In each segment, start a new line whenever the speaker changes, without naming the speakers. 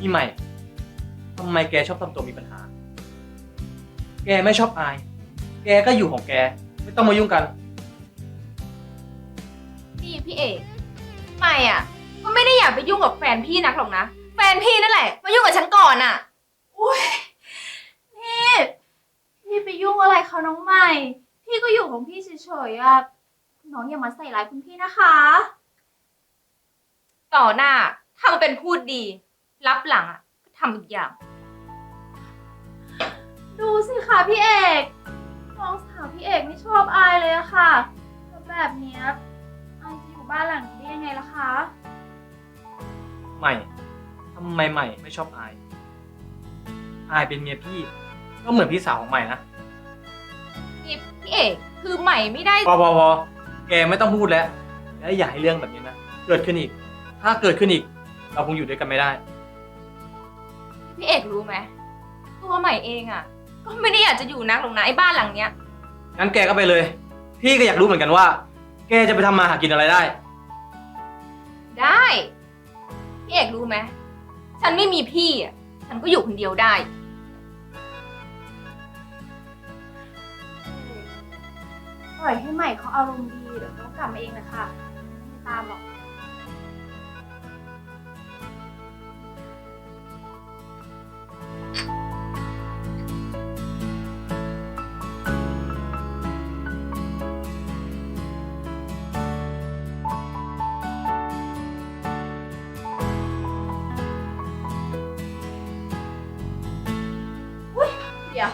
ใหม่ทำไมแกชอบทำตัวมีปัญหาแกไม่ชอบอายแกก็อยู่ของแกไม่ต้องมายุ่งกัน
นี่พี่เอกไม่อ่ะก็ไม่ได้อยากไปยุ่งกับแฟนพี่นักหรอกนะแฟนพี่นั่นแหละมายุ่งกับฉันก่อนอ่ะอุ้ยนี่พี่ไปยุ่งอะไรเขาน้องใหม่พี่ก็อยู่ของพี่เฉยๆอ่ะน้องอย่ามาใส่ร้ายคุณพี่นะคะต่อหน้าทำเป็นพูดดีรับหลังอ่ะก็ทำอีกอย่างดูสิคะพี่เอกน้องสาวพี่เอกไม่ชอบอายเลยอะค่ะแล้วแบบเนี้ยอายจะอยู่บ้านหลังนี้ได้ยังไงล่ะคะ
ใหม่ทำไมใหม่ไม่ชอบอายอายเป็นเมียพี่ก็เหมือนพี่สาวของใหม่นะ
นี่พี่เอกคือใหม่ไม่ได้
พอแกไม่ต้องพูดแล้วและอย่าให้เรื่องแบบนี้นะเกิดขึ้นอีกถ้าเกิดขึ้นอีกเราคงอยู่ด้วยกันไม่ได้
พี่เอกรู้ไหมตัวใหม่เองอ่ะก็ไม่ได้อยากจะอยู่นักหรอกนะไอ้บ้านหลังเนี้ย
งั้นแกก็ไปเลยพี่ก็อยากรู้เหมือนกันว่าแกจะไปทำมาหากินอะไรได้
ได้พี่เอกรู้ไหมฉันไม่มีพี่อ่ะฉันก็อยู่คนเดียวได้ปล่อยให้ใหม่เขาอารมณ์ดีเดี๋ยวเขากลับมาเองนะคะไม่ตามหรอกเดี๋ยว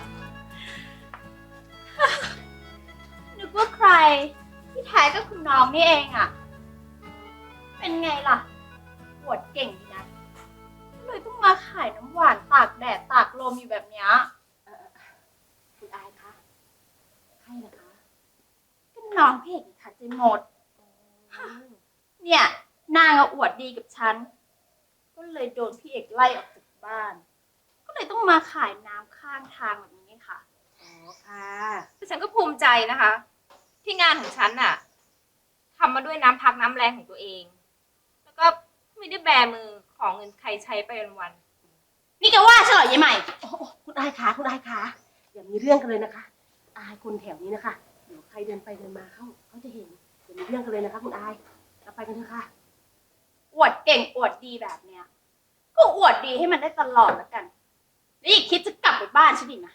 นึกว่าใครที่แท้ก็คุณน้องนี่เองอะเป็นไงล่ะปวดเก่งดีนะเลยต้องมาขายน้ำหวานตากแดดตากลมอยู่แบบเนี้ยคุณอายคะใครเหรอคะก็น้องพี่เอกค่ะเจมดเนี่ยนางอวดดีกับฉันก็เลยโดนพี่เอกไล่ออกจากบ้านก็เลยต้องมาขายน้ำข้างทางแบบนี้ค่ะอ๋อค่ะแต่ฉันก็ภูมิใจนะคะ ที่งานของฉันน่ะทำมาด้วยน้ำพักน้ำแรงของตัวเองแล้วก็ไม่ได้แบมือของเงินใครใช้ไปวันๆนี่แกว่าฉันเหรอยายใหม่
โอ้คุณอายคะคุณอายคะอย่ามีเรื่องกันเลยนะคะอายคนแถวนี้นะคะเดี๋ยวใครเดินไปเดินมาเขาจะเห็นอย่ามีเรื่องกันเลยนะคะคุณอายเราไปกันเถอะค่ะ
อวดเก่งอวดดีแบบเนี้ยก็อวดดีให้มันได้ตลอดแล้วกันแล้วอย่าคิดจะกลับไปบ้านฉันอีกนะ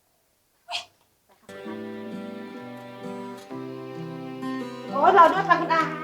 โอ้เราด้วยค่ะคุณอาย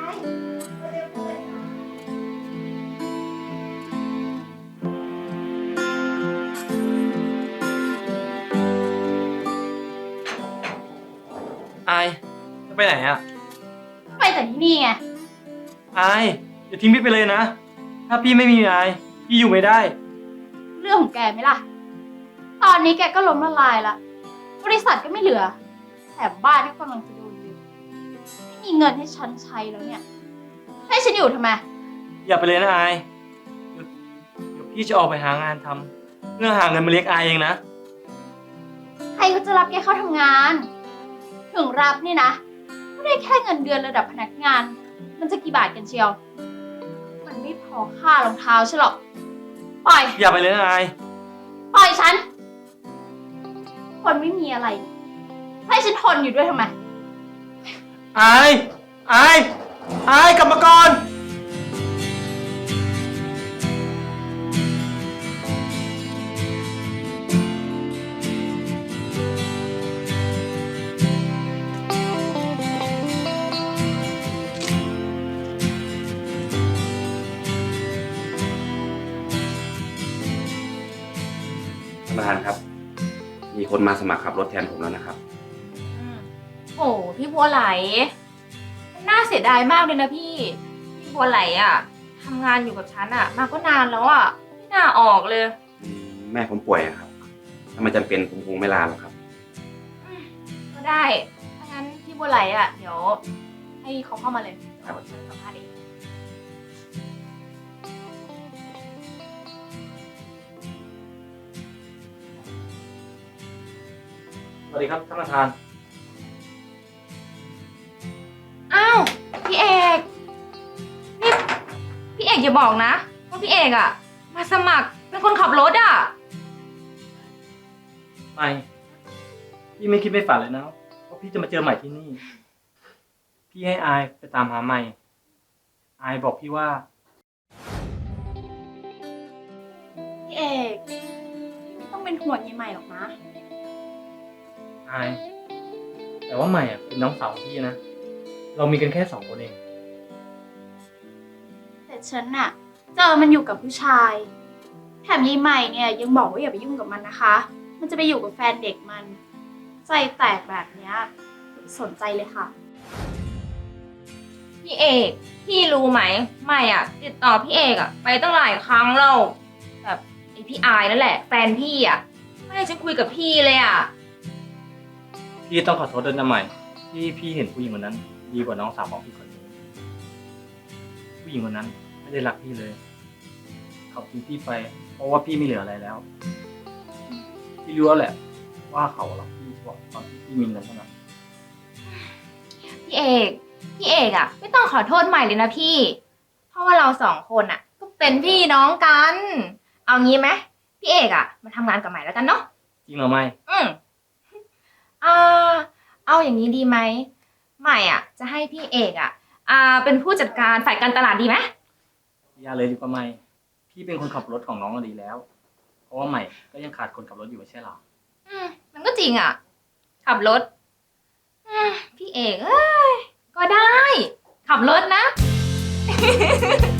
อายจะไปไหนอ่ะ
ไปแต่ที่นี่ไง
อายอย่าทิ้งพี่ไปเลยนะถ้าพี่ไม่มีอายพี่อยู่ไม่ได้
เรื่องของแกไหมล่ะตอนนี้แกก็ล้มละลายละบริษัทก็ไม่เหลือแถมบ้านก็กำลังจะโดนยึดไม่มีเงินให้ฉันใช้แล้วเนี่ยให้ฉันอยู่ทำไม
อย่าไปเลยนะอายเดี๋ยวพี่จะออกไปหางานทำเพื่อหาเงินมาเลี้ยงอายเองนะ
ใครเขาจะรับแกเข้าทำงานถึงรับนี่นะไม่ได้แค่เงินเดือนระดับพนักงานมันจะกี่บาทกันเชียวมันไม่พอค่ารองเท้าใช่หรอกปล่อย
อย่าไปเลยนะอาย
ปล่อยฉันคนไม่มีอะไรให้ฉันทนอยู่ด้วยทำไม
อายกลับมาก่อน
ท่านประธานครับมีคนมาสมัครขับรถแทนผมแล้วนะครับ
โอ้พี่บัวไหลน่าเสียดายมากเลยนะพี่บัวไหลอ่ะทำงานอยู่กับฉันอ่ะมาก็นานแล้วอ่ะไม่น่าออกเลย
แม่ผมป่วยครับถ้ามันจำเป็นผมคงไม่ลาหรอกครับ
ก็ได้ถ้างั้นพี่บัวไหลอ่ะเดี๋ยวให้เขาเข้ามาเลยเดี๋ยวฉันสัมภาษณ์เอง
สวัสดีครับท่านประธาน
อ้าวพี่เอกนี่พี่เอกอย่าบอกนะว่าพี่เอกอ่ะ
มาสมัครเป็นคนขับรถอ่ะ
ไม่ พี่ไม่คิดไม่ฝันเลยนะว่าพี่จะมาเจอใหม่ที่นี่ พี่ให้อายไปตามหาใหม่ อายบอกพี่ว่า
พี่เอกไม่ต้องเป็นห่วงยายใหม่หรอกนะ
อาย แต่ว่าใหม่อะเป็นน้องสาวของพี่นะ เรามีกันแค่2 คนเอง
แต่ฉันน่ะ เจอมันอยู่กับผู้ชาย แถมยายใหม่เนี่ยยังบอกว่าอย่าไปยุ่งกับมันนะคะ มันจะไปอยู่กับแฟนเด็กมัน ใจแตกแบบเนี้ยอย่าไปสนใจเลยค่ะ
พี่เอก พี่รู้ไหมไม่อ่ะ ติดต่อพี่เอกอ่ะ ไปตั้งหลายครั้งแล้วแบบไอพี่อายนั่นแหละ แฟนพี่อ่ะ ไม่ให้ฉันคุยกับพี่เลยอ่ะ
พี่ต้องขอโทษด้วยนะใหม่ ที่พี่เห็นผู้หญิงคนนั้น ดีกว่าน้องสาวของพี่คนนี้ ผู้หญิงคนนั้นไม่ได้รักพี่เลย เขาทิ้งพี่ไป เพราะว่าพี่ไม่เหลืออะไรแล้ว พี่รู้แล้วแหละ ว่าเขารักพี่เฉพาะตอนที่พี่มีเงินเท่านั้น
พี่เอก พี่เอกอ่ะ ไม่ต้องขอโทษใหม่เลยนะพี่ เพราะว่าเรา2 คนอ่ะ ก็เป็นพี่น้องกัน เอางี้ไหมพี่เอกอ่ะมาทำงานกับใหม่แล้วกันเนาะ
จริงเหรอไม่
อ่าเอาอย่างนี้ดีไหมใหม่อ่ะ จะให้พี่เอกอ่ะ เป็นผู้จัดการฝ่ายการตลาดดีไหม
อย่าเลยดีกว่าไม่ พี่เป็นคนขับรถของน้องก็ดีแล้ว เพราะว่าใหม่ก็ยังขาดคนขับรถอยู่ไม่ใช่หรอ
มันก็จริงอ่ะ ขับรถพี่เอกเอ้ยก็ได้ ขับรถนะ